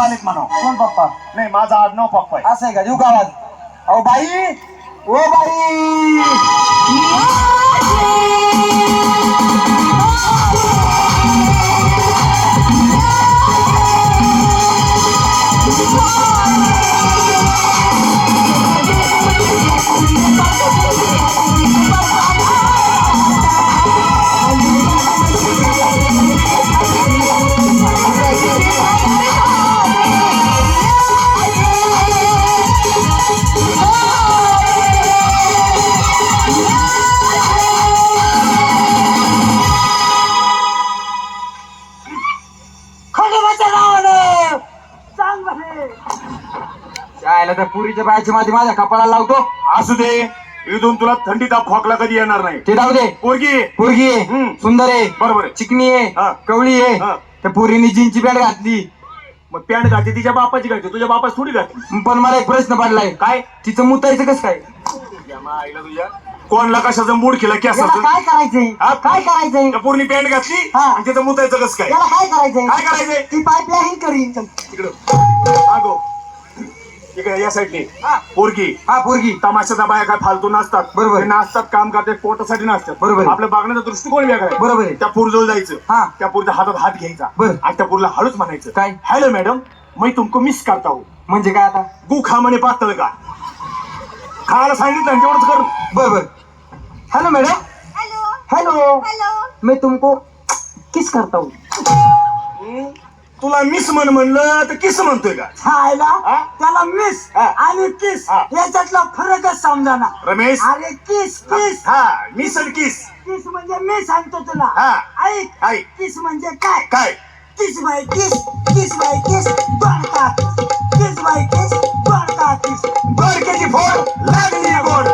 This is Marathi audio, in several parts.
पप्पा आलेत म्हणा. कोण पप्पा? नाही माझा आडनाव पप्पा आहे. असं आहे का? देऊ का आवाज? अहो बाई, ओ बाई, शाळेला त्या पुरीच्या बायाची माती माझ्या कपाळाला लावतो. असू दे, इथून तुला थंडी ताप खोकला कधी येणार नाही. ते जाऊ दे. पोरगी पोरगी आहे, सुंदर आहे, बरोबर आहे. चिकनी आहे, हा. कवळी आहे. हा. त्या पोरीने जीनची पॅन्ट घातली. मग पॅन्ट घातली तिच्या बापाची घातली, तुझ्या बापाची थोडी घातली. पण मला एक प्रश्न पडलाय, काय? तिचं मुतायचं कसं काय? या आईला तुझ्या कोणला कशाचं मूड केला की असं याला काय करायचंय? हा? काय करायचंय? त्या पोरनी पॅन्ट घातली हा. आणि तिचं मुतायचं कसं काय? याला काय करायचंय? काय करायचंय? ती पाईपलाईन करीन. तिकडं मागो इकडे या साईडने. हा. पोरगी हा, पोरगी. तमाशाचा बाया काय फालतू नसतात. बरोबर. ते नाचतात, काम करतात, पोटासाठी नाचतात. बरोबर. आपल्या बघण्याचा दृष्टिकोन वेगळा आहे. बरोबर आहे. त्या पोरजवळ जायचं, हा. त्या पोरच्या हातात हात घ्यायचा बरं. आणि त्या पोरला हळूच म्हणायचं, काय? हॅलो मॅडम, मी तुमको मिस करता हूँ. म्हणजे काय आता? गु खा म्हणे पातळ का खायला सांगितलं आणि तेवढंच कर. बरोबर. Hello madam. Hello hello. मैं तुमको किस करता हूँ. तुला मिस म्हणलं तर किस म्हणतोय का? छायला हा? त्याला मिस हा. आणि किस हा. याच्यातला फरकच समजाना. रमेश, अरे किस किस हा मिस आणि किस. किस म्हणजे मी सांगतो तुला. हा. ऐक, ऐक. किस म्हणजे काय? काय? किस बाय किस, किस बाय किस, दोडका किस, किस बाय किस, दोडका किस. बरकेची फोड लागली गोड.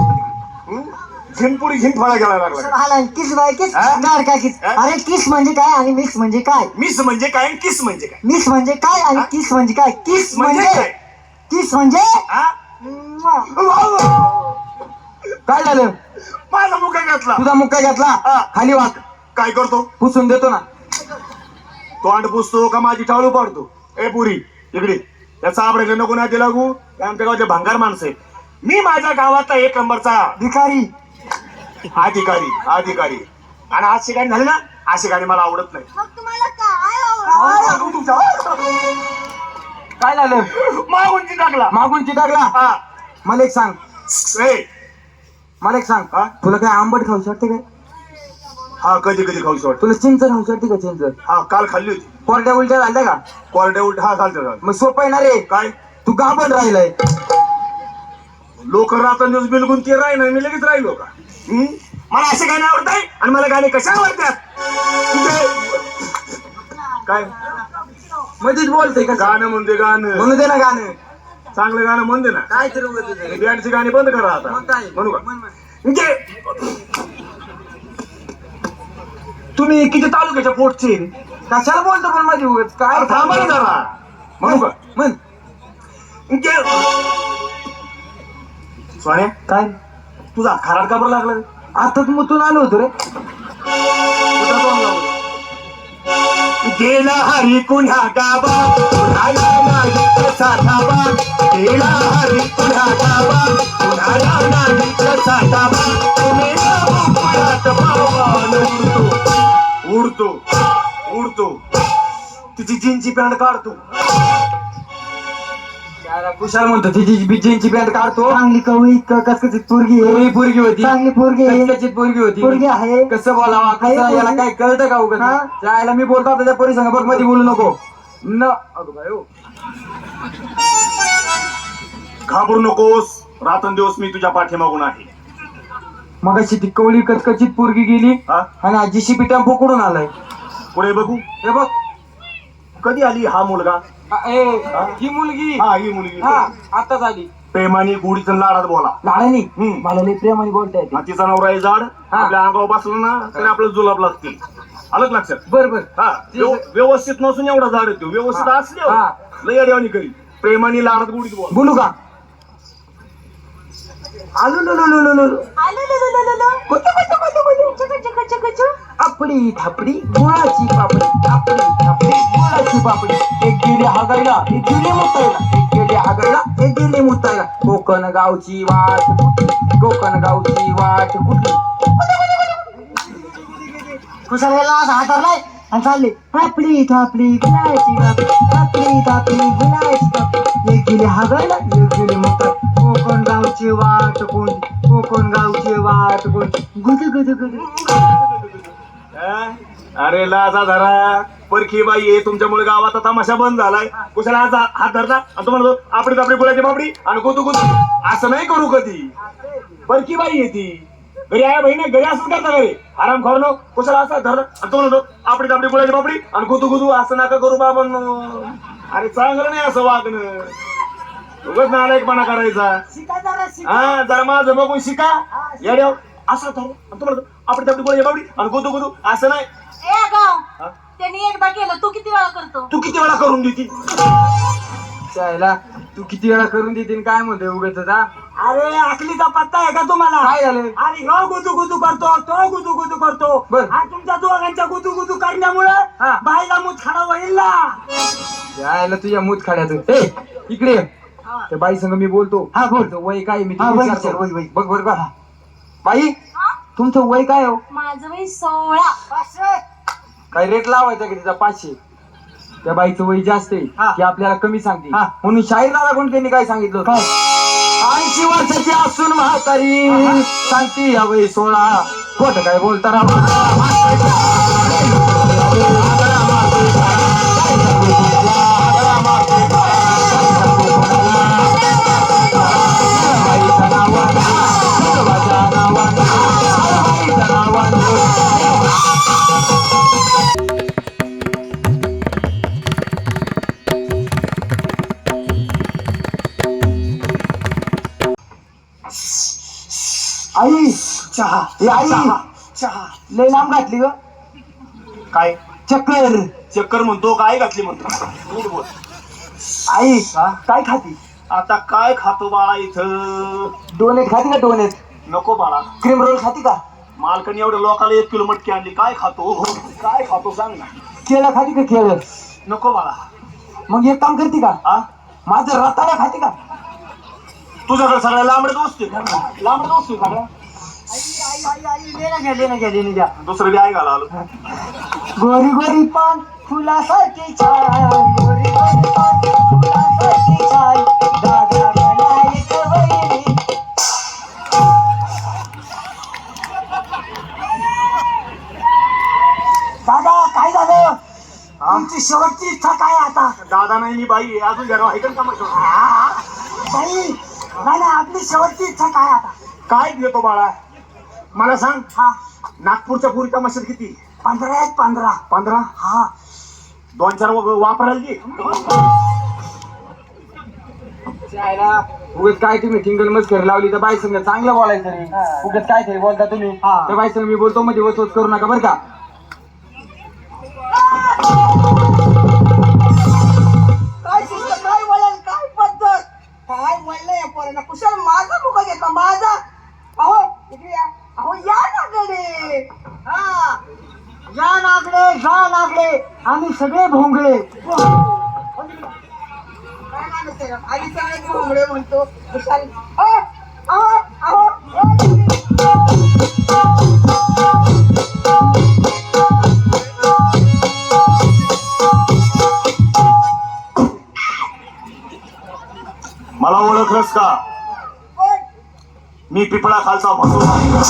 झिनपुरी झिनफळा गेला लागला. आला किस बाय किस, हा? दोडका किस. हा? अरे किस म्हणजे काय आणि मिक्स म्हणजे काय? मिस म्हणजे काय आणि किस म्हणजे काय? मिक्स म्हणजे काय आणि किस म्हणजे काय? किस म्हणजे म्हणजे काय? किस म्हणजे हा? काय झालं? माझा मुका घातला. तुझा मुक्का घेतला. हा. खाली वाक, काय करतो? पुसून देतो ना. तोंड पुसतो का माझी टाळू पाडतो? ए पुरी इकडे, याचा आबडे नको ना ते लागू. हे आमच्या गावाचे भंगार माणसं आहेत. मी माझ्या गावातला एक नंबरचा भिकारी. अधिकारी आणि आज शिकाणी झाली ना, आज शिकाणी मला आवडत नाही. मग तुम्हाला काय काय झालं? मागूनची टाकला. मागून चिटाकला. हा. मला एक सांग, ए, मला एक सांग, हा? तुला काय आंबट खाऊ शकते काय? हा कधी कधी खाऊशी वाटत. तुला चिंच खाऊ शकते का? चिंच हा काल खाल्ली होती. कोरड्या उलट्या झाल्या का? कोरड्या उलट हा चालतं. मग सोपं आहे ना रे. काय तू गाभण राहिलाय. लोक रात्रंदिवस बिलगुन ते राही ना, मी लगेच राहिलो का? मला असे गाणे आवडत आहे आणि मला गाणे कशा आवडतात? काय मध्येच बोलते का? गाणं म्हणते गाणं म्हणू दे ना गाणं. चांगलं गाणं म्हणते ना. काय तर उगाच तुझं. बँडची गाणी बंद करा आता. मग काय? म्हणू का? म्हण, म्हण. म्हणजे तुम्ही किती तालुक्याच्या पोटचे? कशाला बोलतो पण माझी उगाच? काय अरे थांबा ना जरा. म्हणू का? म्हण. सोन्या, काय? तुझा खराड का बरं लागला? आता तू मुतून आलो होतो रे. कुठं तोंड लावलं? गेला हरी कुण्हा गाबा, कुणाला नाही कसा धाबा. गेला हरी कुण्हा गाबा, कुणाला नाही कसा धाबा. तुम्ही भोपळ्यात पावन उडतो उडतो उडतो. तिची जीनची पॅन्ट काढतो. त्याला कुशाल म्हणतो तिची जीनची पॅन्ट काढतो. चांगली कवळी कसकशीत पोरगी आहे. पोरगी होती. चांगली पोरगी आहे. कसकशीत पोरगी होती. पोरगी आहे. कसं बोलावा कसं याला काय कळतं का उगाच? त्याला मी बोलतो त्याच्या पोरी संग बघ मध्ये बोलू नको न. अगं बाई हो. घाबरू नकोस, रात्रंदिवस मी तुझ्या पाठीमागून आहे. मगाशी ती कवळी कचकचित पोरगी गेली हा? आणि आजीशी पिठा पोकडून आलाय. पुढे बघू. हे बघ. कधी आली हा मुलगा? ही मुलगी. हा ही मुलगी हा आताच आली. प्रेमाने गुढीचं लाडात बोला. लाडानी हम्म. मला लई प्रेमाने बोलता येते. आणि तिचा नवरा आहे जाड. हा. आपल्या अंगावर बसलं ना तरी आपलं जुलाब लागतील. आलं का लक्षात? बर बर. हा व्यवस्थित नसून एवढा झाड येतो. व्यवस्थित असले हा. लय अडवणी करी. प्रेमाने लाडात गुढीत बोला. बोलू का? आलू लो लो लो लो लो. आपडी थापडी गुळाची पापडी. आपडी थापडी गुळाची गुळाची पापडी, एक गेली हागायला, एक गेली मुतायला, एक गेली हागायला, एक गेली मुतायला. कोकण गावची वाट कुठली, कोकण गावची वाट कुठली. कुशाला असा हातारलाय आणि चालले थापली थापली गुलाची बाप, थापली थापली गुलाची बाप. एक गेली हागायला, एक गेली मुताय. कोकण गावची वाट कोणती, कोकण गावची वाट कोणती. गुद गुद गुद. अरे लाजा धरा परखी बाई आहे, तुमच्यामुळे गावाचा तमाशा बंद झालाय. कुशाला हात धरला आणि तो म्हणतो आपली आपली गुलाची बापडी आणि गुदू गुदू. असं नाही करू कधी. परखी बाई आहे ती. घरी आहे बहिणी, घरी असंच करता घरी आराम करणं. कुशाला असा धरला आणि तो म्हणतो आपली आपली गुलाची बापडी आणि गुदू गुदू. असं नका करू बाबांनो. अरे चांगलं नाही असं वागणं. उगाच नालायकपणा करायचा. शिका जरा शिका. हा जरा माझं बघून शिका. येड्याव असं धर आणि तो म्हणतो आपली आपली गुलाची बापडी आणि गुदू गुदू. असं नाही. ए गाव हा? त्यांनी एकदा केलं, तू किती वेळा करतो? तू किती वेळा करून देती. चायला तू किती वेळा करून देते काय म्हणते उगाच. अरे आखलीचा पत्ता आहे का तुम्हाला. काय झालं. आणि ह्यो गुदू गुदू करतो, तो गुदू गुदू करतो. बर. आणि तुमच्या दोघांच्या गुदू गुदू करण्यामुळे हा. बाईला मुतखडा होईल ना. यायला तुझ्या मूत खाड्याचं. ए इकडे ये. त्या बाई संग मी बोलतो. हा बोल. तुमचं वय काय मी हा, तुला वय विचारतो. विचार, वय, वय. बघ बरं का बाई हा? तुमचं वय काय हो. माझं वय 16. काय रेट लावायचा की तिचा 500. त्या बाईचं वय जास्त आहे हा. की आपल्याला कमी सांगते. हा. म्हणून शाहीर दादा कोणत्यांनी काय सांगितलं होतं? 80 वर्षाची असून म्हातारी सांगती या वय 16. खोट काय बोलता राव. आई चहा ए आई चहा. लय लांब घातली ग. काय चक्कर. चक्कर म्हणतो काय घातली म्हणतो. नीट बोल. आई काय खाती. आता काय खातो बाळा इथं. डोनेट खाती का डोनेट. नको बाळा. क्रीम रोल खाती का. मालकाने एवढ्या लोकाला 1 किलो मटकी आणली. काय खातो काय खातो सांग ना. केळं खाती का केळं. नको बाळा. मग एक काम करते का हा माझं रताळा खाते का. तुझ्याकडे सगळ्या लांबडे दोस्त लांबडे दोस्त सगळ्या. गेली द्या. दुसरं बी आई घाला आलो. गोरी गोरी पान फुलासारखी छान, गोरी गोरी पान फुलासारखी छान. दादा बनायक वैरी. दादा काय झालं. तुमची शेवटची इच्छा काय आता. दादा नाही मी बाई आहे. अजून घरा ऐकन का मग. बाई नाही नाही, आपली शेवटची इच्छा काय आता. काय देतो बाळा मला सांग. हा नागपूरच्या पुरीचा मशीन किती. 15 आहेत 15. 15. हा 2-4 वापरायला की. उगत काय तुम्ही टिंगल मस्करी लावली तर बाई संग चांगलं बोलायचं रे. उगत काय तरी बोलता तुम्ही. हा. त्या बाई संग मी बोलतो मध्ये वचवच करू नका बरं का. काय शिस्त, काय वळण, काय पद्धत, काय म्हणलं या पोरांना. कुशल माझा मुख घेतला माझा. अहो इकडे या. अहो या नागडे. हा या नागडे, जा नागडे. आम्ही सगळे भोंगळे. काय माणूस आहे, आधी सगळे भोंगळे म्हणतो कुशल. अहो अहो अहो मला ओळखलंस का. मी पिपळा खालचा भसू.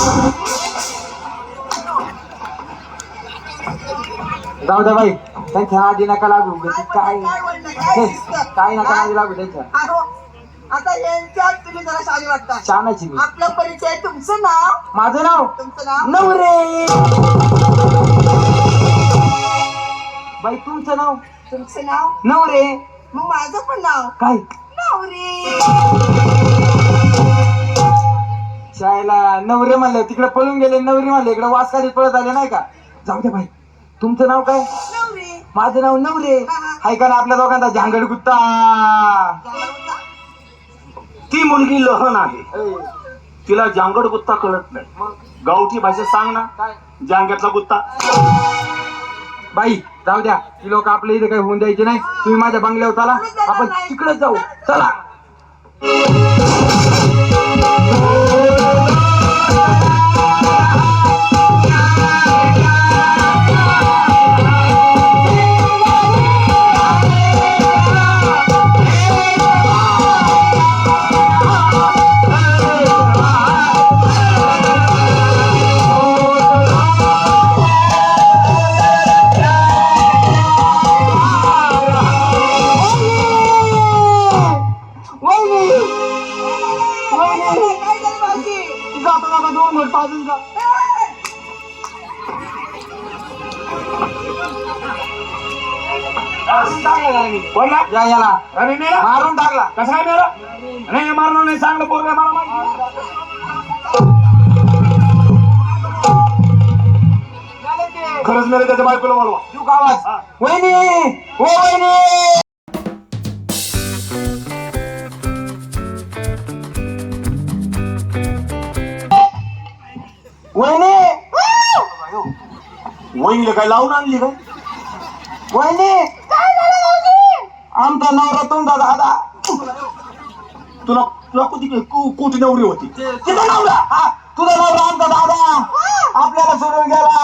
जाऊ द्या बाई त्यांच्या आधी नका लागू. उगाच काय म्हणलं, काय शिस्त? काय नका आधी लागू त्यांच्या. अहो, आता यांच्यात तुम्ही जरा शाली वाटता. छानाची मी. आपला परिचय. तुमचं नाव. माझं नाव तुमचं नाव. नवरे. बाई तुमचं नाव तुमचं नाव. नवरे. मग माझं पण नाव काय नवरी. शाळेला नवरे म्हणले तिकडे पळून गेले. नवरी म्हणले इकडे वासकारीत पळत आले नाही का. जाऊ दे बाई तुमचं नाव काय. नवरी. माझं नाव नवरे. हाय का ना आपल्या दोघांचा झांगड गुत्ता. ती मुलगी लहान आहे. तिला जांगड गुत्ता कळत नाही. गावठी भाषेत सांग ना. काय जांग्यातला गुत्ता. बाई जाऊ द्या ती लोक आपल्या इथे काही होऊन द्यायचे नाही. तुम्ही माझ्या बंगल्यावर चला, आपण तिकडे जाऊ. चला. काय झालं भाऊजी? जातो जातो 2 मिनिट पाजून जा. बोला या याला अरे मेला मारून टाकला. कसा काय मेला नाही मारणार नाही चांगलं पोरग मला माहिती. खरंच मेरे त्याच्या बायकोला बोलवा. तू का आवाज हा. वहिनी ओ वहिनी. वहिनी वहिनीला काय लावून आणली काय वहिनी काय झालं भाऊजी? आमचा नवरा तुमचा दादा. तुला तुला कोटी नवरी होती. तिचा नवरा हा, तुझा नवरा आमचा दादा आपल्याला सोडून गेला.